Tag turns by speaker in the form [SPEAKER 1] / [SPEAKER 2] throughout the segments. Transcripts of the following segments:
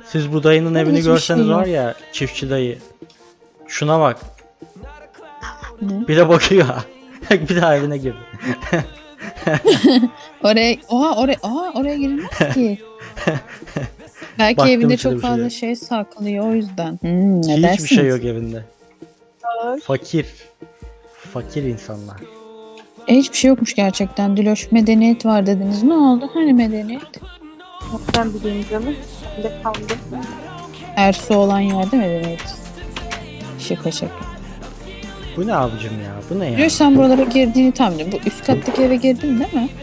[SPEAKER 1] Siz bu dayının evini
[SPEAKER 2] hiçbir
[SPEAKER 1] görseniz
[SPEAKER 2] şey yok.
[SPEAKER 1] var ya, çiftçi dayı. Şuna bak.
[SPEAKER 2] Ne?
[SPEAKER 1] Bir de bakıyor. Bir daha evine girdi.
[SPEAKER 2] Oraya girilmez ki. Belki
[SPEAKER 1] Baktım
[SPEAKER 2] evinde
[SPEAKER 1] içinde
[SPEAKER 2] çok
[SPEAKER 1] bir şey
[SPEAKER 2] fazla
[SPEAKER 1] yok.
[SPEAKER 2] şey saklıyor o yüzden. Ne
[SPEAKER 1] Hiçbir
[SPEAKER 2] dersiniz?
[SPEAKER 1] şey yok evinde.
[SPEAKER 3] Var.
[SPEAKER 1] Fakir. Fakir insanlar.
[SPEAKER 2] Hiçbir şey yokmuş gerçekten. Diloş medeniyet var dediniz. Ne oldu? Hani medeniyet?
[SPEAKER 3] Ben bileyim canım. Bir de kaldım.
[SPEAKER 2] Ersu olan yerde medeniyet. Şaka şaka.
[SPEAKER 1] Bu ne abicim ya? Bu ne ya?
[SPEAKER 2] Diloş sen buralara girdiğini tahmin ediyorum. Bu üst kattaki eve girdin değil mi?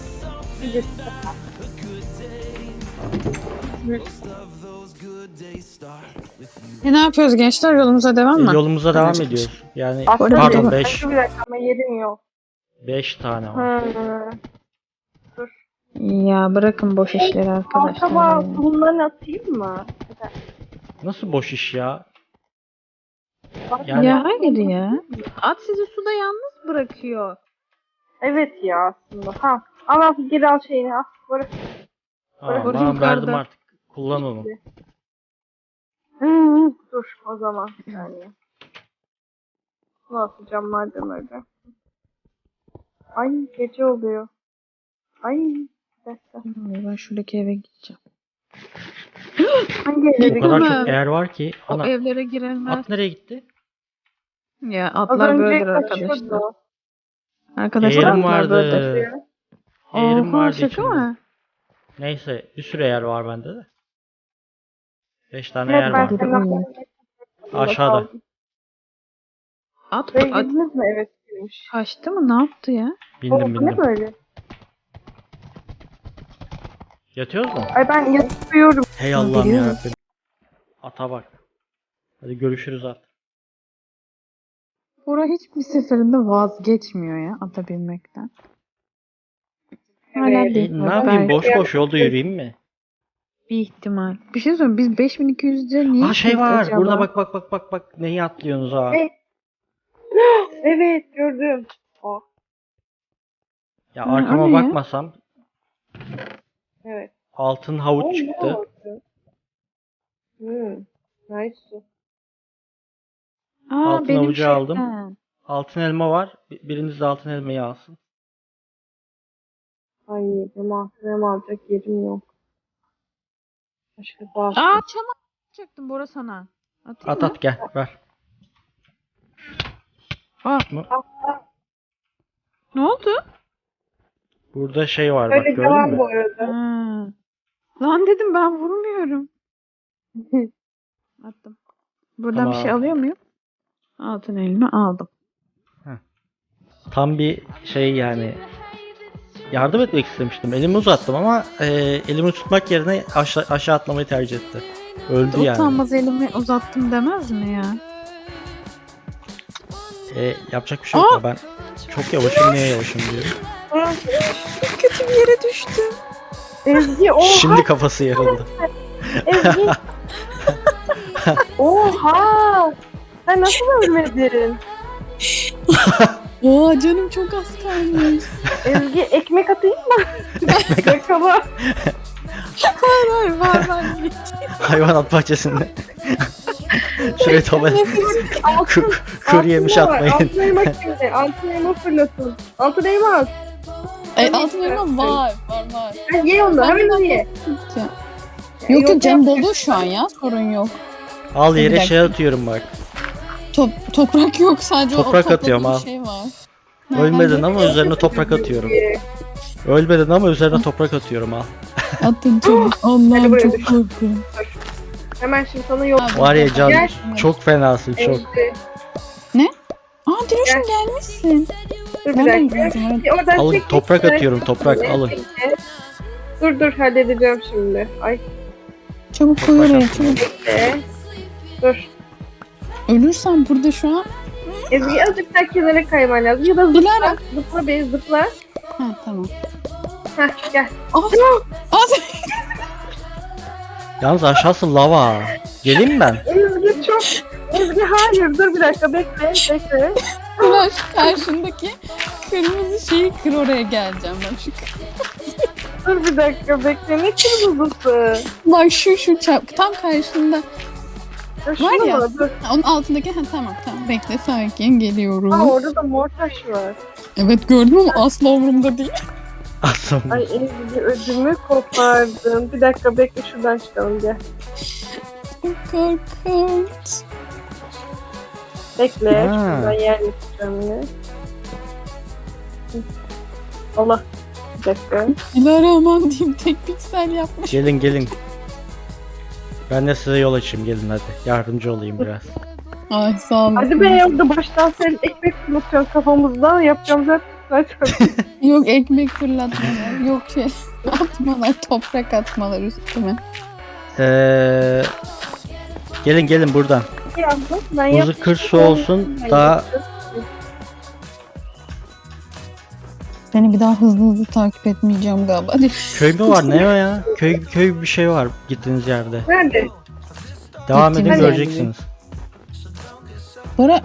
[SPEAKER 2] Ne yapıyoruz gençler? Yolumuza devam mı?
[SPEAKER 1] Yolumuza devam ediyoruz. Yani
[SPEAKER 3] Aslında
[SPEAKER 1] pardon
[SPEAKER 2] bir-
[SPEAKER 1] 5.
[SPEAKER 3] Bir dakika ama yerim yok.
[SPEAKER 1] 5 tane var.
[SPEAKER 2] Ya bırakın boş işleri arkadaşlar.
[SPEAKER 3] Acaba bunları atayım mı?
[SPEAKER 1] Nasıl boş iş ya? Yani
[SPEAKER 2] Ya hayır ya. At sizi suda yalnız bırakıyor.
[SPEAKER 3] Evet ya aslında. Ha. Al geri al şeyini al. Bırak.
[SPEAKER 1] tamam,
[SPEAKER 2] Orada
[SPEAKER 1] ben
[SPEAKER 2] yukarıda.
[SPEAKER 1] verdim artık. Kullan onu.
[SPEAKER 3] Dur o zaman. Yani. Bunu atacağım madem öyle. Ay gece oluyor. Ay. Bir dakika.
[SPEAKER 2] Ben şuradaki eve gideceğim.
[SPEAKER 3] Hangi
[SPEAKER 1] O
[SPEAKER 3] evleri
[SPEAKER 1] kadar
[SPEAKER 2] Değil
[SPEAKER 1] çok
[SPEAKER 2] mi?
[SPEAKER 1] yer var ki.
[SPEAKER 2] O
[SPEAKER 1] Ana,
[SPEAKER 2] evlere girilmez.
[SPEAKER 1] at nereye gitti?
[SPEAKER 2] Ya
[SPEAKER 3] Az
[SPEAKER 2] atlar
[SPEAKER 3] önce
[SPEAKER 2] böyledir arkadaşlar.
[SPEAKER 3] kaçırdı.
[SPEAKER 2] Arkadaşlar
[SPEAKER 1] Yerim
[SPEAKER 2] atlar böyledir.
[SPEAKER 1] vardı. Yerim
[SPEAKER 2] Oha
[SPEAKER 1] vardı
[SPEAKER 2] şaka
[SPEAKER 1] içinde.
[SPEAKER 2] mı?
[SPEAKER 1] Neyse bir sürü yer var bende de. 5 tane
[SPEAKER 3] Evet
[SPEAKER 1] yer
[SPEAKER 3] ben
[SPEAKER 1] var.
[SPEAKER 3] seni
[SPEAKER 1] Aşağıda.
[SPEAKER 2] At,
[SPEAKER 3] Buraya
[SPEAKER 2] at
[SPEAKER 3] girdiniz mi? Evet girmiş.
[SPEAKER 2] kaçtı mı? Ne yaptı ya?
[SPEAKER 1] Bindim
[SPEAKER 3] Bu ne
[SPEAKER 1] bindim.
[SPEAKER 3] böyle?
[SPEAKER 1] Yatıyoruz mu?
[SPEAKER 3] Ay ben yatıyorum.
[SPEAKER 1] Hey Allah'ım
[SPEAKER 2] geliyor.
[SPEAKER 1] yarabbim. Ata bak. Hadi görüşürüz at.
[SPEAKER 2] Bora hiçbir seferinde vazgeçmiyor ya ata binmekten. Hala
[SPEAKER 3] Evet.
[SPEAKER 2] değil.
[SPEAKER 1] Ne yapayım, boş boş yolda yürüyeyim mi?
[SPEAKER 2] Bir ihtimal. Bir şey söyleyeyim. Biz 5200 lira niye
[SPEAKER 1] Aa şey
[SPEAKER 2] gittik
[SPEAKER 1] var.
[SPEAKER 2] acaba?
[SPEAKER 1] Burada bak. Neyi atlıyorsunuz ha?
[SPEAKER 3] Hey. Evet gördüm. O.
[SPEAKER 1] Ya
[SPEAKER 2] Ha,
[SPEAKER 1] arkama
[SPEAKER 2] o ne ya?
[SPEAKER 1] bakmasam
[SPEAKER 3] Evet.
[SPEAKER 1] altın havuç
[SPEAKER 3] O ne
[SPEAKER 1] çıktı.
[SPEAKER 3] oldu? Nice.
[SPEAKER 2] Aa,
[SPEAKER 1] Altın
[SPEAKER 2] benim
[SPEAKER 1] avucu aldım.
[SPEAKER 2] şeyden.
[SPEAKER 1] Altın elma var. Biriniz de altın elmayı alsın.
[SPEAKER 3] Ay benim alacak yerim yok. Başka bağırsın.
[SPEAKER 2] Aa çam atacaktım Bora sana. Atayım
[SPEAKER 1] At
[SPEAKER 2] mı?
[SPEAKER 1] at gel ver.
[SPEAKER 2] Aa,
[SPEAKER 1] Mı?
[SPEAKER 2] ne oldu?
[SPEAKER 1] Burada şey var bak,
[SPEAKER 3] Öyle
[SPEAKER 1] gördün
[SPEAKER 3] devam
[SPEAKER 1] mü?
[SPEAKER 3] bu arada.
[SPEAKER 2] Ha. Lan dedim ben vurmuyorum. Attım. Buradan bir şey
[SPEAKER 1] Tamam.
[SPEAKER 2] alıyor muyum? Altın elma aldım.
[SPEAKER 1] Tam bir şey yani. Yardım etmek istemiştim. Elimi uzattım ama elimi tutmak yerine aşağı atlamayı tercih etti. Öldü yani.
[SPEAKER 2] Utanmaz elimi uzattım demez mi ya?
[SPEAKER 1] Yapacak bir şey yok ya, ben çok yavaşım, niye yavaşım diyorum.
[SPEAKER 2] Kötü bir yere düştüm.
[SPEAKER 3] Ezgi oha.
[SPEAKER 1] Şimdi kafası yarıldı.
[SPEAKER 3] Ezgi. Oha. Sen nasıl ölmedin?
[SPEAKER 2] Oha canım çok az kalmış.
[SPEAKER 3] Ezgi ekmek atayım mı? Yakala.
[SPEAKER 2] var.
[SPEAKER 1] Hayvanat bahçesinde. Şuraya topa
[SPEAKER 3] Altın.
[SPEAKER 1] kuru yemiş
[SPEAKER 3] altın var.
[SPEAKER 1] atmayın.
[SPEAKER 3] Altın elma şimdi. Altın elma fırlatın. Altın elma at.
[SPEAKER 2] Altın elma var.
[SPEAKER 3] Ha, ye onu. Hemen ye.
[SPEAKER 2] Yok canım dolu şu an ya sorun yok.
[SPEAKER 1] Al
[SPEAKER 2] Bir
[SPEAKER 1] yere
[SPEAKER 2] dakika.
[SPEAKER 1] şey atıyorum bak.
[SPEAKER 2] Toprak yok sadece
[SPEAKER 1] Toprak
[SPEAKER 2] o topladığım
[SPEAKER 1] atıyorum, al.
[SPEAKER 2] şey var.
[SPEAKER 1] Ölmedin ama üzerine toprak atıyorum. Ölmedin ama üzerine toprak atıyorum al.
[SPEAKER 2] Attın çabuk.
[SPEAKER 3] Hadi
[SPEAKER 2] Allah'ım
[SPEAKER 3] buraya
[SPEAKER 2] çok
[SPEAKER 3] düş.
[SPEAKER 2] korkuyorum.
[SPEAKER 3] Hemen şimdi sana yol.
[SPEAKER 2] Abi,
[SPEAKER 1] Var ya Can,
[SPEAKER 3] Gel.
[SPEAKER 1] çok fenasın çok.
[SPEAKER 3] Ezgi.
[SPEAKER 2] Aa Diloş'um gelmişsin.
[SPEAKER 3] Dur bir
[SPEAKER 2] Nereden
[SPEAKER 3] dakika.
[SPEAKER 2] gidiyorsun?
[SPEAKER 3] Oradan
[SPEAKER 1] Alın,
[SPEAKER 3] çek,
[SPEAKER 1] toprak
[SPEAKER 3] çek,
[SPEAKER 1] atıyorum,
[SPEAKER 3] çek.
[SPEAKER 1] toprak, alın.
[SPEAKER 3] Dur halledeceğim şimdi. Ay
[SPEAKER 2] Çabuk koy
[SPEAKER 1] Toprak
[SPEAKER 2] oraya
[SPEAKER 1] attım.
[SPEAKER 2] çabuk.
[SPEAKER 3] dur.
[SPEAKER 2] Ölürsem burada şu an.
[SPEAKER 3] Ezgi azıcık daha kenara kayman lazım. Ya da zıpla.
[SPEAKER 2] Dilara.
[SPEAKER 3] Zıpla be zıpla.
[SPEAKER 2] Ha tamam.
[SPEAKER 3] Heh gel.
[SPEAKER 1] Yalnız aşağısı lava. Geleyim mi ben?
[SPEAKER 3] Ezgi çok. Ezgi hayır dur bir dakika bekle.
[SPEAKER 2] Diloş karşındaki kırmızı şeyi kır oraya geleceğim ben şu
[SPEAKER 3] Dur bir dakika bekle. Ne kırmızısı?
[SPEAKER 2] Bak şu tam karşında.
[SPEAKER 3] Ya şunu
[SPEAKER 2] Var ya.
[SPEAKER 3] mu? Dur.
[SPEAKER 2] Onun altındaki tamam bekle sakin geliyorum.
[SPEAKER 3] Aa, orada da mor taş var.
[SPEAKER 2] Evet gördüm ama asla umurumda değil.
[SPEAKER 1] Aslında.
[SPEAKER 3] Ay Ezgi ödümü kopardın. Bir dakika bekle şuradan çıkalım gel.
[SPEAKER 2] Korkunç.
[SPEAKER 3] Bekle.
[SPEAKER 1] Ha.
[SPEAKER 3] Şuradan yer yapacağım yine. Allah. Bir dakika.
[SPEAKER 2] Dilara diyeyim tek piksel yapmış.
[SPEAKER 1] Gelin. Ben de size yol açayım, gelin hadi. Yardımcı olayım biraz.
[SPEAKER 2] Ay sağ olun.
[SPEAKER 3] Hadi be orada baştan sen ekmek fırlatıyorsun kafamızdan. Yapacağım zaten.
[SPEAKER 2] Yok ekmek fırlatmalar. Yok atmalar. Toprak atmalar üstüme.
[SPEAKER 1] Gelin buradan.
[SPEAKER 3] Yaptım. Ben
[SPEAKER 1] Buzu
[SPEAKER 3] yaptım.
[SPEAKER 1] kır su olsun. Daha
[SPEAKER 2] Seni bir daha hızlı takip etmeyeceğim galiba. Hadi.
[SPEAKER 1] köy mü var, ne o ya? Köy bir şey var gittiğiniz yerde.
[SPEAKER 3] Nerede?
[SPEAKER 1] Devam edin,
[SPEAKER 2] Gittiğiniz
[SPEAKER 1] göreceksiniz.
[SPEAKER 2] Bora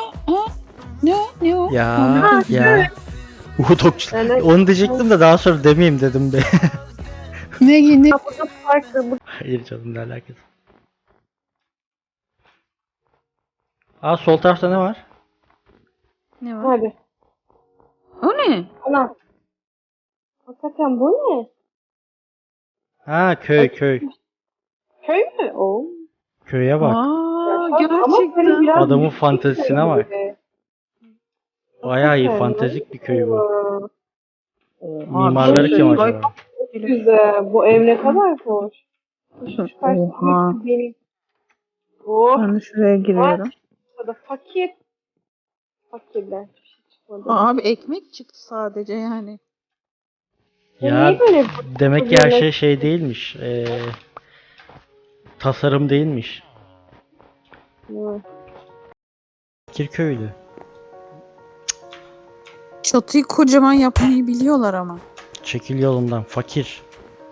[SPEAKER 2] ne o?
[SPEAKER 1] Ya. Udokçu.
[SPEAKER 3] Yani
[SPEAKER 1] Onu diyecektim de daha sonra demeyeyim dedim be.
[SPEAKER 2] Ne?
[SPEAKER 3] burada farklı.
[SPEAKER 1] Hayır canım, ne alakası. Aa, sol tarafta ne var?
[SPEAKER 2] Ne var?
[SPEAKER 3] Hadi.
[SPEAKER 2] O ne?
[SPEAKER 3] Ana. Hakikaten bu ne?
[SPEAKER 1] Ha, köy.
[SPEAKER 3] Köy mü? Oo.
[SPEAKER 1] Köye bak.
[SPEAKER 3] Ama böyle biraz
[SPEAKER 1] Adamın
[SPEAKER 3] yüksek
[SPEAKER 1] fantezisine
[SPEAKER 3] köy
[SPEAKER 1] bak.
[SPEAKER 3] gibi.
[SPEAKER 1] Bayağı iyi,
[SPEAKER 3] Hakikaten
[SPEAKER 1] fantezik bir köy bu.
[SPEAKER 3] Aa.
[SPEAKER 1] Mimarları kim
[SPEAKER 3] Ay,
[SPEAKER 1] acaba?
[SPEAKER 3] çok güzel. Bu ev ne kadar hoş. Şu karşıdaki
[SPEAKER 2] Oha.
[SPEAKER 3] benim. Oh.
[SPEAKER 2] Ben de şuraya giriyorum.
[SPEAKER 3] Burada fakir. Fakirler. Bir şey çıkmadı.
[SPEAKER 2] Abi ekmek çıktı sadece yani.
[SPEAKER 1] Ya
[SPEAKER 3] Niye böyle
[SPEAKER 1] demek ki her şey değilmiş. Tasarım değilmiş.
[SPEAKER 3] bu?
[SPEAKER 1] Kirköylü.
[SPEAKER 2] Çatıyı kocaman yapmayı biliyorlar ama.
[SPEAKER 1] Çekil yolundan, fakir.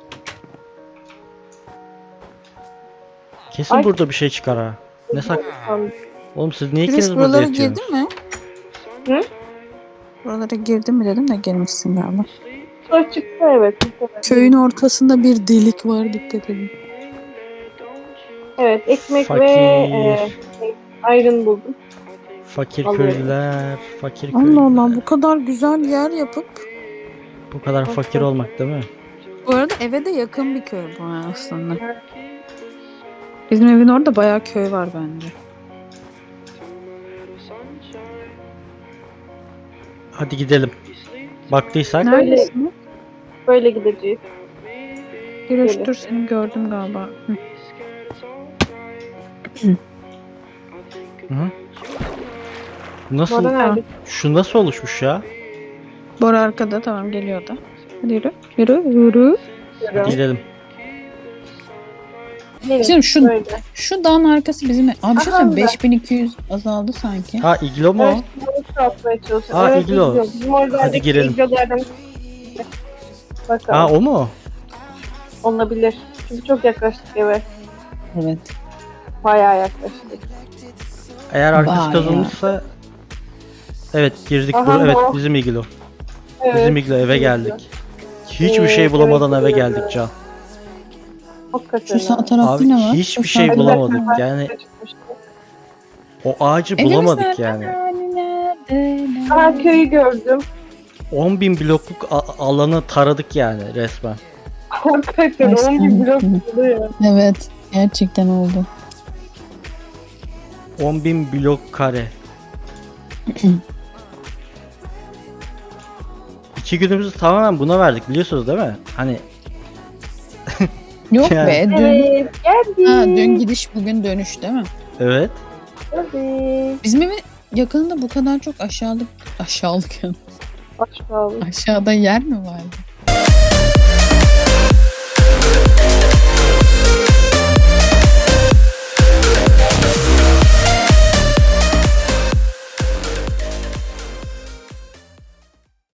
[SPEAKER 1] Kesin
[SPEAKER 3] Ay.
[SPEAKER 1] burada bir şey çıkar ha. Ne sak? Oğlum siz niye ikiniz
[SPEAKER 2] Chris
[SPEAKER 1] burada
[SPEAKER 2] buralara
[SPEAKER 1] yatıyorsunuz?
[SPEAKER 2] girdin mi?
[SPEAKER 3] Hı?
[SPEAKER 2] Buralara girdin mi dedim de girmişsin galiba.
[SPEAKER 3] Sonra çıktı evet.
[SPEAKER 2] Köyün ortasında bir delik var dikkat edin.
[SPEAKER 3] Evet ekmek
[SPEAKER 1] Fakir.
[SPEAKER 3] ve ayrın buldum.
[SPEAKER 1] Fakir
[SPEAKER 3] Alıyorum.
[SPEAKER 1] köylüler, fakir
[SPEAKER 2] Allah
[SPEAKER 1] köylüler.
[SPEAKER 2] Allah bu kadar güzel yer yapıp.
[SPEAKER 1] Bu kadar fakir olmak değil mi?
[SPEAKER 2] Bu arada eve de yakın bir köy bu aslında. Bizim evin orada bayağı köy var bence.
[SPEAKER 1] Hadi gidelim. Baktıysak.
[SPEAKER 2] Neredesin?
[SPEAKER 3] Böyle gideceğiz.
[SPEAKER 2] Giriş dur seni gördüm galiba.
[SPEAKER 1] Hı. Nasıl?
[SPEAKER 3] Bora nerede?
[SPEAKER 1] Şu nasıl oluşmuş ya?
[SPEAKER 2] Bora arkada tamam geliyor da. Hadi yürü.
[SPEAKER 1] Hadi gidelim.
[SPEAKER 3] Nereye?
[SPEAKER 2] Şimdi
[SPEAKER 3] Böyle.
[SPEAKER 2] şu dağın arkası bizim ev. Abi şu
[SPEAKER 3] Aha,
[SPEAKER 2] sen
[SPEAKER 3] güzel.
[SPEAKER 2] 5200 azaldı sanki.
[SPEAKER 1] Ha, iglo mu o?
[SPEAKER 3] Evet, bunu atmaya çalışıyorum.
[SPEAKER 1] Aa,
[SPEAKER 3] evet,
[SPEAKER 1] iglo.
[SPEAKER 3] Bizim orada
[SPEAKER 1] Hadi girelim.
[SPEAKER 3] iglolardan bakalım.
[SPEAKER 1] Ha, o mu?
[SPEAKER 3] Olabilir. Çünkü çok yaklaştık eve.
[SPEAKER 2] Evet.
[SPEAKER 3] Bayağı yaklaştık.
[SPEAKER 1] Eğer arkası
[SPEAKER 2] Vay
[SPEAKER 1] kazılmışsa. Evet, girdik.
[SPEAKER 3] Aha,
[SPEAKER 1] Evet,
[SPEAKER 3] o.
[SPEAKER 1] bizim iglo.
[SPEAKER 3] Evet.
[SPEAKER 1] Bizim iglo, eve geldik. Hiçbir şey
[SPEAKER 3] Evet,
[SPEAKER 1] bulamadan
[SPEAKER 3] evet,
[SPEAKER 1] eve
[SPEAKER 3] evet.
[SPEAKER 1] geldik Can.
[SPEAKER 3] Hakikaten.
[SPEAKER 2] Şu sağ
[SPEAKER 3] ha.
[SPEAKER 2] tarafta
[SPEAKER 1] Abi
[SPEAKER 2] ne var?
[SPEAKER 1] hiçbir
[SPEAKER 2] Şu
[SPEAKER 1] şey
[SPEAKER 2] sağ-
[SPEAKER 1] bulamadık. Yani
[SPEAKER 3] Çıkmıştı.
[SPEAKER 1] o ağacı
[SPEAKER 2] Evimiz
[SPEAKER 1] bulamadık
[SPEAKER 2] nerede?
[SPEAKER 1] yani.
[SPEAKER 2] Nerede?
[SPEAKER 3] Aa köyü gördüm.
[SPEAKER 1] 10.000 blokluk alanı taradık yani resmen.
[SPEAKER 3] Hakikaten
[SPEAKER 2] Ay,
[SPEAKER 3] 10 bin blok
[SPEAKER 2] sen-
[SPEAKER 3] oluyor.
[SPEAKER 2] Evet. Gerçekten oldu.
[SPEAKER 1] 10.000 blok kare. 2 günümüzü tamamen buna verdik, biliyorsunuz değil mi? Hani
[SPEAKER 2] Yok
[SPEAKER 1] Yani-
[SPEAKER 2] be dün.
[SPEAKER 3] Evet geldik.
[SPEAKER 2] Ha, dün gidiş bugün dönüş değil mi?
[SPEAKER 1] evet.
[SPEAKER 3] Geldik.
[SPEAKER 2] Bizim evin yakınında bu kadar çok aşağılık yani
[SPEAKER 3] Aç kaldık.
[SPEAKER 2] aşağıda yer mi vardı?